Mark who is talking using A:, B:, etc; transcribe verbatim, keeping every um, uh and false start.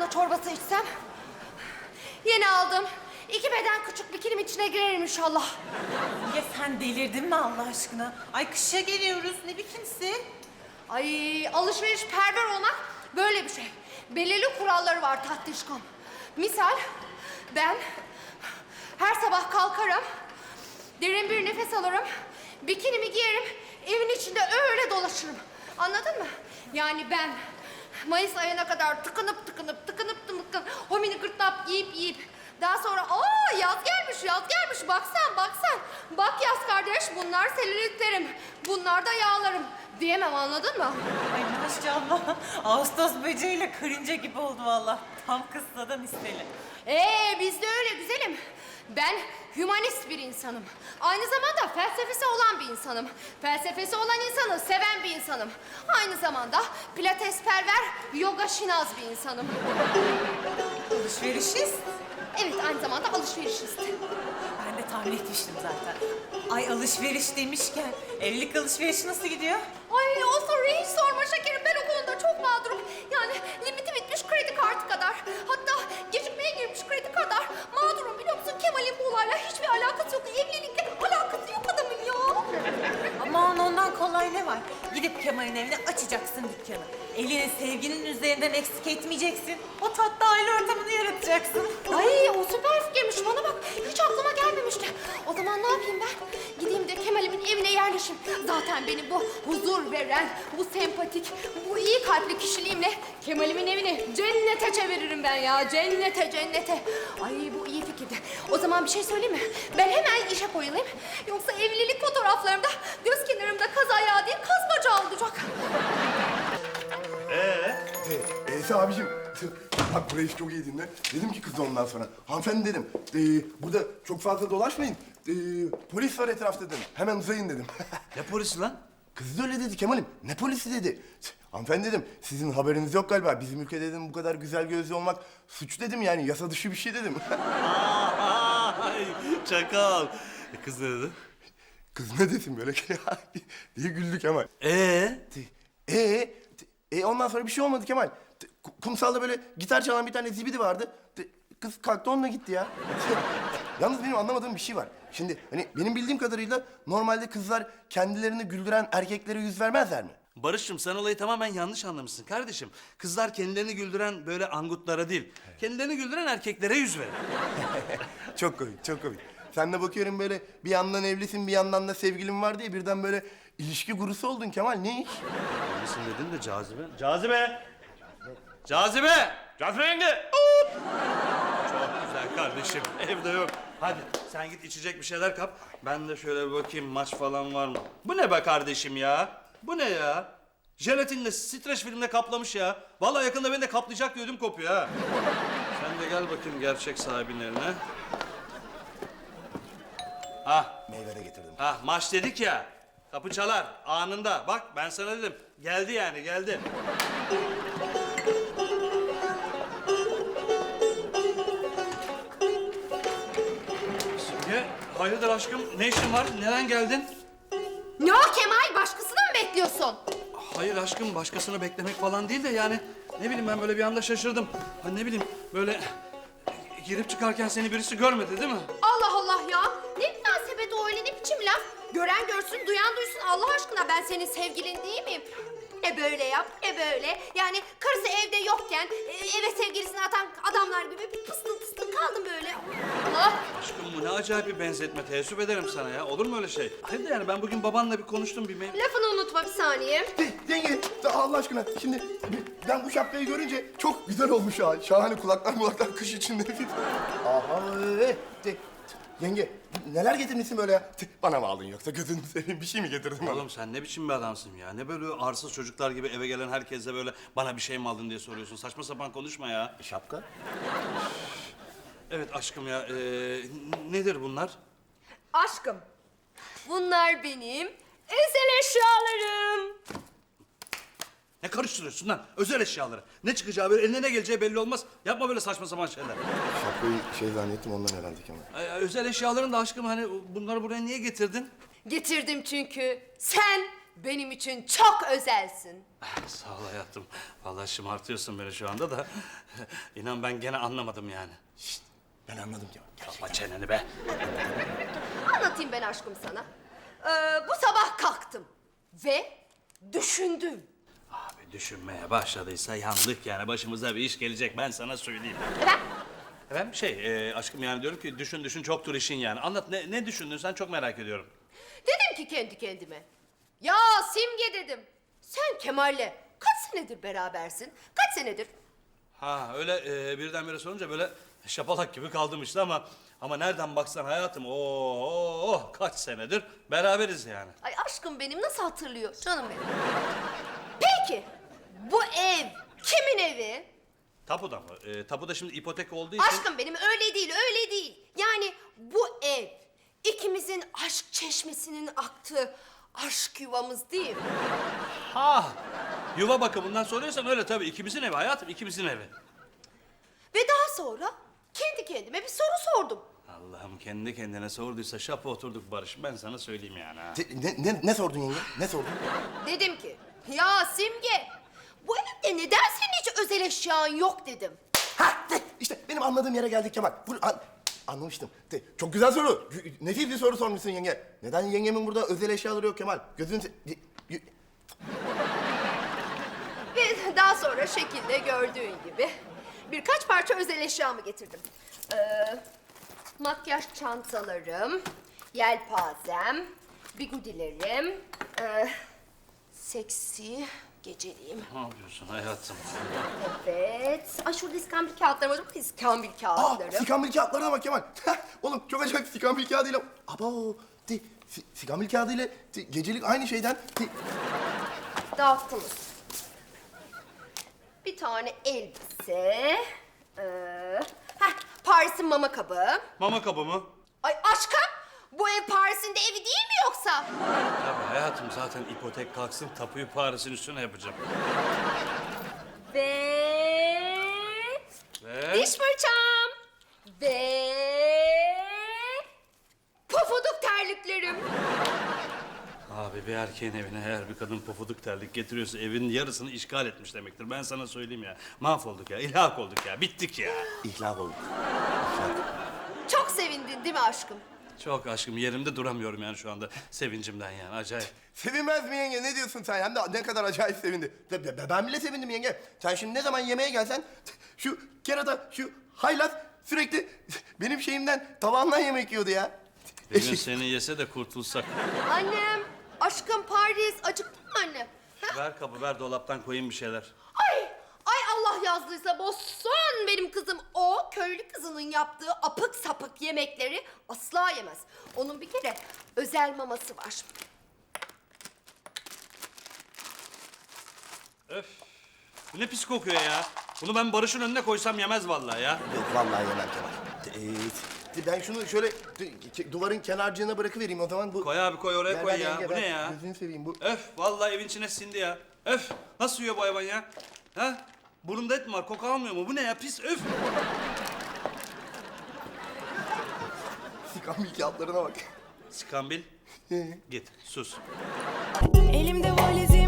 A: lahana çorbası içsem? Yeni aldım. İki beden küçük bikinim içine girerim inşallah.
B: Ya sen delirdin mi Allah aşkına? Ay kışa geliyoruz. Ne bikinisi?
A: Ay alışveriş perver olmak böyle bir şey. Belirli kuralları var tatlışkom. Misal ben her sabah kalkarım, derin bir nefes alırım, bikinimi giyerim, evin içinde öyle dolaşırım. Anladın mı? Yani ben Mayıs ayına kadar tıkınıp tıkınıp tıkınıp tıkınıp homini gırtlap yiyip yiyip daha sonra aa yaz gelmiş yaz gelmiş bak sen bak sen bak yaz kardeş bunlar selülitlerim bunlar da yağlarım diyemem anladın mı?
B: Ay maşallah. Ağustos böceğiyle karınca gibi oldu vallahi. Tam kıssadan isteli.
A: Ee bizde öyle güzelim. Ben hümanist bir insanım. Aynı zamanda felsefesi olan bir insanım. Felsefesi olan insanı seven bir insanım. Aynı zamanda pilatesperver, yoga şinaz bir insanım.
B: Alışverişiz.
A: Evet aynı zamanda alışverişist.
B: Ben de tahmin etmiştim zaten. Ay alışveriş demişken evlilik alışverişi nasıl gidiyor?
A: Ay o soruyu hiç sorma şekerim. Ben o konuda çok mağdurum. Yani limiti bitmiş kredi kartı kadar. Hatta gecikmeye girmiş kredi kadar. Mağdurum biliyor musun? Kemal'in bu olayla hiçbir alakası yok. Evlilikle alakası yok adamın ya.
B: Aman ondan kolay ne var? Gidip Kemal'in evine açacaksın dükkanı. Elini sevginin üzerinden eksik etmeyeceksin. O tatlı aile ortamını yaratacaksın.
A: Ay o süper fikirmiş. Bana bak hiç aklıma gelmemişti. O zaman ne yapayım ben? Gideyim de Kemal'imin evine yerleşeyim. Zaten benim bu huzur veren, bu sempatik, bu iyi kalpli kişiliğimle Kemal'imin evini cennete çeviririm ben ya. Cennete, cennete. Ay bu iyi fikirdi. O zaman bir şey söyleyeyim mi? Ben hemen işe koyulayım. Yoksa evlilik fotoğraflarımda göz kenarımda kaz ayağı değil kaz bacağı olacak.
C: Ee, Ese abicim, bak burayı çok iyi dinle. Dedim ki kız ondan sonra, hanımefendi dedim, ee, burada çok fazla dolaşmayın. Ee, polis var etrafta dedim, hemen uzayın dedim.
D: Ne polisi lan?
C: Kız da öyle dedi Kemal'im, ne polisi dedi. Hanımefendi dedim, sizin haberiniz yok galiba. Bizim ülkede dedim bu kadar güzel gözlü olmak suç dedim yani, yasa dışı bir şey dedim.
D: Ay çakal. E, kız ne dedi?
C: Kız ne desin böyle diye güldü Kemal.
D: Ee?
C: Ee, e, ondan sonra bir şey olmadı Kemal. Kumsalda böyle gitar çalan bir tane zibidi vardı. Kız kalktı onunla gitti ya. Yalnız benim anlamadığım bir şey var. Şimdi hani benim bildiğim kadarıyla normalde kızlar kendilerini güldüren erkeklere yüz vermezler mi?
D: Barış'cığım sen olayı tamamen yanlış anlamışsın kardeşim. Kızlar kendilerini güldüren böyle angutlara değil, kendilerini güldüren erkeklere yüz verir.
C: Çok komik, çok komik. Sen de bakıyorum böyle bir yandan evlisin bir yandan da sevgilin var diye birden böyle ilişki gurusu oldun Kemal. Ne iş?
D: Evlisin dedin de cazibe. Cazibe! Cazibe! Cazibe yenge! Çok güzel kardeşim, evde yok. Hadi sen git içecek bir şeyler kap. Ben de şöyle bir bakayım maç falan var mı? Bu ne be kardeşim ya? Bu ne ya? Jelatinle, streç filmle kaplamış ya. Vallahi yakında beni de kaplayacak diye ödüm kopuyor ha. Sen de gel bakayım gerçek sahibinin eline. Ah,
C: Meyve de getirdim.
D: ah maç dedik ya. Kapı çalar anında. Bak ben sana dedim. Geldi yani geldi. Simge, hayırdır aşkım? Ne işin var? Neden geldin?
A: Ne o Kemal? Başkasını mı bekliyorsun?
D: Hayır aşkım, başkasını beklemek falan değil de yani... ...ne bileyim ben böyle bir anda şaşırdım. Hani ne bileyim böyle... ...girip çıkarken seni birisi görmedi değil mi?
A: Allah Allah ya. Ne münasebet o öyle ne biçim laf? Gören görsün, duyan duysun. Allah aşkına ben senin sevgilin değil miyim? Ne böyle yap, ne böyle. Yani karısı evde yokken e, eve sevgilisini atan adamlar gibi bir pıstın pıstın kaldım böyle. Allah.
D: Aşkım bu ne acayip bir benzetme. Teessüp ederim sana ya. Olur mu öyle şey? Hem de yani ben bugün babanla bir konuştum bir mev...
A: Lafını unutma bir saniye.
C: Yenge, Allah aşkına şimdi ben bu şapkayı görünce çok güzel olmuş ha. Şahane kulaklar kulaklar kış içinde. Aha evet. Yenge neler getirmişsin böyle ya? Bana mı aldın yoksa gözünü seveyim bir şey mi getirdin bana?
D: Oğlum sen ne biçim bir adamsın ya? Ne böyle arsız çocuklar gibi eve gelen herkese böyle bana bir şey mi aldın diye soruyorsun. Saçma sapan konuşma ya.
C: Şapka?
D: Evet aşkım ya. ee, nedir bunlar?
A: Aşkım, bunlar benim özel eşyalarım.
D: Ne karıştırıyorsun lan? Özel eşyaları. Ne çıkacağı böyle eline ne geleceği belli olmaz. Yapma böyle saçma sapan şeyler.
C: Şapkayı şey zannettim ondan herhalde Kemal.
D: Ee, özel eşyaların da aşkım hani bunları buraya niye getirdin?
A: Getirdim çünkü sen benim için çok özelsin.
D: Sağ ol hayatım. Vallahi şımartıyorsun beni şu anda da. İnan ben gene anlamadım yani.
C: Şşt, ben anladım Kemal. Gerçekten.
D: Kapa çeneni be.
A: Anlatayım ben aşkım sana. Ee, bu sabah kalktım ve düşündüm.
D: Abi düşünmeye başladıysa yandık yani. Başımıza bir iş gelecek ben sana söyleyeyim.
A: Evet.
D: Efendim şey e, aşkım yani diyorum ki düşün düşün çoktur işin yani. Anlat ne, ne düşündün sen çok merak ediyorum.
A: Dedim ki kendi kendime. Ya Simge dedim. Sen Kemal'le kaç senedir berabersin? Kaç senedir?
D: Ha öyle e, birdenbire sorunca böyle şapalak gibi kaldım işte ama ama nereden baksan hayatım o oh, kaç senedir beraberiz yani.
A: Ay aşkım benim nasıl hatırlıyor canım benim. Peki bu ev kimin evi?
D: Tapuda mı? E, tapuda şimdi ipotek olduğu için.
A: Aşkım benim öyle değil öyle değil. Yani bu ev ikimizin aşk çeşmesinin aktığı aşk yuvamız değil mi?
D: Ha yuva bakımından soruyorsan öyle tabii ikimizin evi hayatım ikimizin evi.
A: Ve daha sonra kendi kendime bir soru sordum.
D: Allah'ım kendi kendine sorduysa şapa oturduk Barış ben sana söyleyeyim yani ha.
C: Te- Ne, ne, ne sordun yenge? Ne sordun?
A: Dedim ki ya Simge bu evde neden senin hiç özel eşyan yok dedim.
C: Ha, de, işte benim anladığım yere geldik Kemal. Bu, an, anlamıştım. De, çok güzel soru. Nefis bir soru sormuşsun yenge. Neden yengemin burada özel eşyaları yok Kemal? Gözün... se- y- y-
A: Ve daha sonra şekilde gördüğün gibi birkaç parça özel eşyamı getirdim. Ee, makyaj çantalarım, yelpazem, bigudilerim, ee, seksi geceliğim.
D: Ne yapıyorsun hayatım?
A: Evet. Ay şurada iskambil kağıtlarım var. Bak iskambil
C: Aa,
A: kağıtları.
C: sikambil kağıtlarına bak Kemal. Oğlum çok acayip sikambil kağıdıyla... Abo, de, si, sikambil kağıdıyla de, gecelik aynı şeyden... De,
A: Dağıttınız. Bir tane elbise. Ee, heh, Paris'in mama kabı.
D: Mama kabı mı?
A: Ay aşkım, bu ev Paris'in de evi değil mi yoksa?
D: Tabii hayatım zaten ipotek kalksın tapuyu Paris'in üstüne yapacağım.
A: Ve...
D: Ve...
A: Diş fırçam. Ve... Pofuduk terliklerim.
D: Abi bir erkeğin evine eğer bir kadın pofuduk terlik getiriyorsa evin yarısını işgal etmiş demektir. Ben sana söyleyeyim ya. Mahvolduk ya, ilhak olduk ya, bittik ya.
C: İhlak olduk.
A: Çok sevindin değil mi aşkım?
D: Çok aşkım yerimde duramıyorum yani şu anda sevincimden yani acayip.
C: Sevinmez mi yenge? Ne diyorsun sen? Hem de ne kadar acayip sevindi. Be- be- Ben bile sevindim yenge. Sen şimdi ne zaman yemeğe gelsen... Şu kerata, şu haylaz sürekli benim şeyimden, tabağımdan yemek yiyordu ya.
D: Bir gün seni yese de kurtulsak.
A: Annem, aşkım Paris. Acıktın mı anne? Ha?
D: Ver kabı ver dolaptan koyayım bir şeyler.
A: Ay, ay Allah yazdıysa bozsun benim kızım. O köylü kızının yaptığı apık sapık yemekleri asla yemez. Onun bir kere özel maması var.
D: Öf. Bu ne pis kokuyor ya. Bunu ben Barış'ın önüne koysam yemez vallahi ya.
C: Yok vallahi yemem Kemal. Ee, ben şunu şöyle du- duvarın kenarcığına bırakıvereyim o zaman. Bu...
D: Koy abi koy oraya
C: Ver,
D: koy
C: ver
D: ya.
C: yenge,
D: Bu
C: ver.
D: ne ya?
C: Gözünü seveyim bu.
D: Öf vallahi evin içine sindi ya. Öf nasıl yiyor bu hayvan ya? Ha? Burunda et mi var? Koku almıyor mu? Bu ne ya? Pis öf.
C: Sikambil kağıtlarına bak.
D: Skambil. Git sus.
E: Elimde valizi